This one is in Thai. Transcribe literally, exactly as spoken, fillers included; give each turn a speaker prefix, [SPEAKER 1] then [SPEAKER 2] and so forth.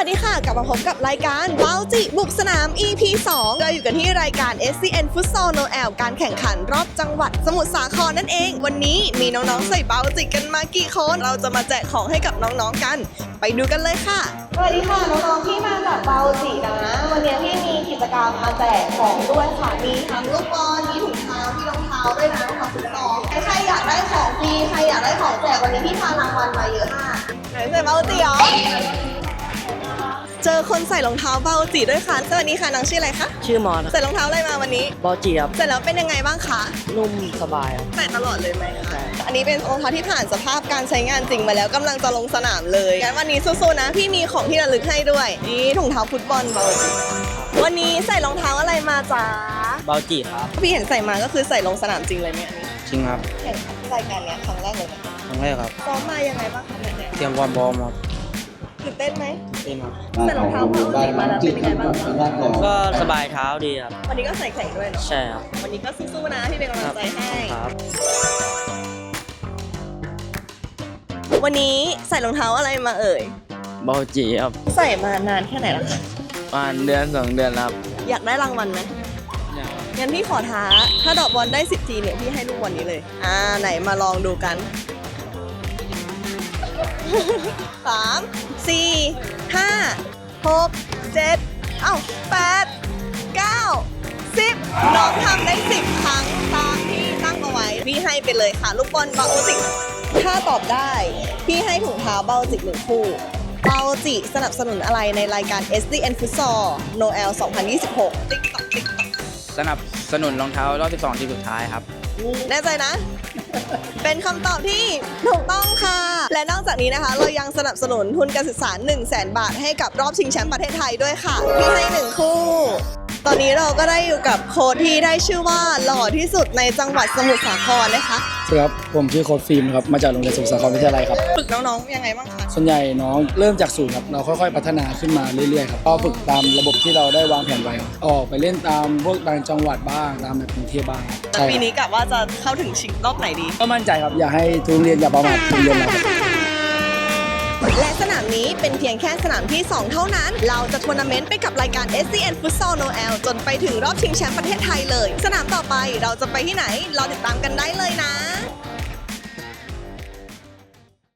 [SPEAKER 1] วัสดีค่ะกลับมาพบกับรายการเบ้าจิบุกสนาม อี พี สองเราอยู่กันที่รายการ เอส ซี เอ็น Futsal Noel การแข่งขันรอบจังหวัดสมุทรสาครนั่นเองวันนี้มีน้องๆใส่เบ้าจิกันมากี่คนเราจะมาแจกของให้กับน้องๆกันไปดูกันเลยค่ะสวัสดีค่ะน้องๆที่มาจากเบ้าจินะวันนี้ที่มีกิจกรรมมาแจกของด้วยค่ะมีทั้งลูกบอลมีถุงเท้ามีรองเท้าด้วยนะของฟุตซอลใครอยากได้ของฟรีใครอยากได้ของแจกวันนี้พี่พารางวัลมาเยอะมากไหนใส่เบ้าจิเหรอเจอคนใส่รองเท้าเบาจิด้วยค่ะสวัสดีค่ะน้องชื่ออะไรคะ
[SPEAKER 2] ชื่อมอน
[SPEAKER 1] ใส่รองเท้าอะไรมาวันนี้
[SPEAKER 2] บอจีครับ
[SPEAKER 1] ใส่แล้วเป็นยังไงบ้างคะ
[SPEAKER 2] นุ่มสบายครับ
[SPEAKER 1] ใส่ตลอดเลยไหมคะอันนี้เป็นรองเท้าที่ผ่านสภาพการใช้งานจริงมาแล้วกำลังจะลงสนามเลยงั้นวันนี้สู้ๆนะพี่มีของที่ระลึกให้ด้วยนี่ถุงเท้าฟุตบอลเบาจิวันนี้ใส่รองเท้าอะไรมาจ๊ะ
[SPEAKER 2] บอจีครับ
[SPEAKER 1] พี่เห็นใส่มาก็คือใส่ลงสนามจริงเลยไหม
[SPEAKER 2] จริงครับ
[SPEAKER 1] แข่งขันรายการนี้ครั้งแรกเลยไหม
[SPEAKER 2] ครั้งแรกครับ
[SPEAKER 1] ซ้อมมายังไงบ้างคะเนี่ย
[SPEAKER 2] เตรียมความพร้อมครับ
[SPEAKER 1] ตื่นเต้นไหม
[SPEAKER 2] เต้นครับ
[SPEAKER 1] ใส่รองเท้าเบาจิมาแล้วเป็นยังไงบ้าง
[SPEAKER 2] ก็สบายเท้าดีครับ
[SPEAKER 1] วันนี้ก็ใส่แข่งด้วยเนาะ
[SPEAKER 2] ใช่ครับ
[SPEAKER 1] วันนี้ก็สู้ๆนะพี่เป็นกำลังใจให้
[SPEAKER 2] ครับ
[SPEAKER 1] วันนี้ใส่รองเท้าอะไรมาเอ่ย
[SPEAKER 2] บอจีครับ
[SPEAKER 1] ใส่มานานแค่ไหนแล้วคะ
[SPEAKER 2] ประมาณเดือนสองเดือนครับ
[SPEAKER 1] อยากได้รางวัลไหมงั้นพี่ขอท้าถ้าดอกบอลได้สิบทีเนี่ยพี่ให้ลูกบอลนี้เลยอ่าไหนมาลองดูกันสามสี่ห้าหกเจ็ดเอ้าแปดเก้าสิบน้องทำได้สิบครั้งตามที่ตั้งเอาไว้พี่ให้ไปเลยค่ะลูกบอลเบาจิถ้าตอบได้พี่ให้ถุงเท้าเบาจิหนึ่งคู่เบาจิสนับสนุนอะไรในรายการ เอส ซี เอ็น Futsal Noel สองพันยี่สิบหก TikTok TikTok
[SPEAKER 2] สนับสนุนรองเท้ารอบสิบสองทีมสุดท้ายครับ
[SPEAKER 1] แน่ใจนะ เป็นคำตอบที่ถูกต้องค่ะและนอกจากนี้นะคะเรายังสนับสนุนทุนการศึกษา หนึ่งแสน บาทให้กับรอบชิงแชมป์ประเทศไทยด้วยค่ะพี่ให้หนึ่งคู่ตอนนี้เราก็ได้อยู่กับโค้ชที่ได้ชื่อว่าหล่อที่สุดในจังหวัดสมุทรสาครนะคะ
[SPEAKER 3] สวัสดีครับผมชื่อโค้ชฟิล์มครับมาจากโรงเรียนสมุทรสาครวิทยาลัยครับ
[SPEAKER 1] ฝึกน้องๆยังไงบ้างคะ
[SPEAKER 3] ส่วนใหญ่น้องเริ่มจากศูนย์ครับเราค่อยๆพัฒนาขึ้นมาเรื่อยๆครับก็ฝึกตามระบบที่เราได้วางแผนไว้ออกไปเล่นตามพวกต่างจังหวัดบ้างตามแบบกรุงเทพบ้าง
[SPEAKER 1] แต่ปีนี้กะว่าจะเข้าถึงชิงรอบไหนดี
[SPEAKER 3] ก็มั่นใจครับอย่าให้ทุกโรงเรียนอย่าประมาทโรงเรียนเรา
[SPEAKER 1] และสนามนี้เป็นเพียงแค่สนามที่สองเท่านั้นเราจะทัวร์นาเมนต์ไปกับรายการ เอส ซี เอ็น Futsal Noel จนไปถึงรอบชิงแชมป์ประเทศไทยเลยสนามต่อไปเราจะไปที่ไหนรอติดตามกันได้เลยนะ